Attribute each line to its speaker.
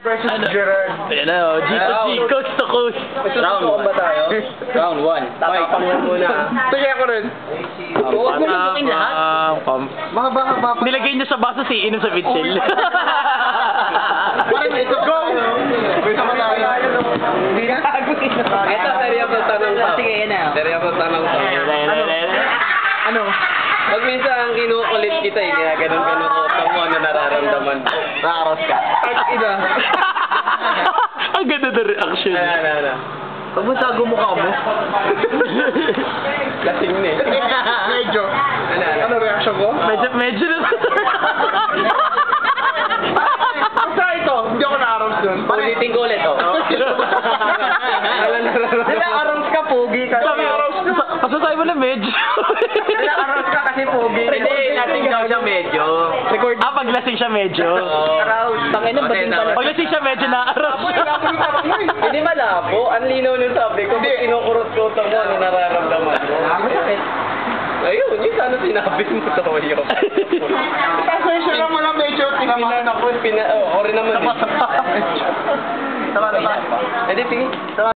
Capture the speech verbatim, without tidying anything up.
Speaker 1: Versus
Speaker 2: Ano?
Speaker 1: Gerard.
Speaker 2: Ayan na, oh. G to G, coast to coast.
Speaker 3: Round one ba tayo? Round one. Tatapang mo muna.
Speaker 1: Sige ako rin.
Speaker 3: Huwag mo lubukin lahat.
Speaker 2: Ah, pam.
Speaker 1: Mahaba-haba pa.
Speaker 2: Nilagay niyo sa baso si inom sa bitsil.
Speaker 1: Parang ito. Go! Sama tayo. Hindi na.
Speaker 3: Ito, seryoso tanong to.
Speaker 4: Sige, yan na.
Speaker 3: Seryoso tanong to.
Speaker 1: Ano?
Speaker 3: Pag minsan kinukulit kita eh, kaya ganun ganun ko mo, ano nararamdaman mo?
Speaker 1: Nakaros ka. Ang ina.
Speaker 2: Ang ganda na reaction.
Speaker 3: Ano, ano, ano?
Speaker 1: Pag mo tago mo ka mo.
Speaker 3: Lasing na eh.
Speaker 1: Medyo.
Speaker 3: Ano, ano?
Speaker 1: Ano reaction ko?
Speaker 2: Medyo, medyo na.
Speaker 1: Basta ito, hindi ako na-arrows dun.
Speaker 3: Ulitin ko ulit, oh. Alam na
Speaker 1: Nila-arrows ka, pogi ka.
Speaker 2: Sabi, pasasabi mo na medyo.
Speaker 1: Nila-arrows ka kasi pogi.
Speaker 3: Hindi, lasing daw siya medyo.
Speaker 1: Record.
Speaker 2: Ah, paglasing siya medyo.
Speaker 1: Arouse.
Speaker 4: Tangin na, bading pala.
Speaker 2: Paglasing siya medyo na-aros siya.
Speaker 3: Hindi malabo. Ang linaw nung sabi ko, kung kinukurot-kurot mo, ano nararamdaman mo? Ayun, yun sana sinabi mo to, yun.
Speaker 1: Pasensya lang mo lang medyo tinamaan ako.
Speaker 3: Pina, oh, ori naman eh.
Speaker 1: Tama, tama.
Speaker 3: Hindi, sige.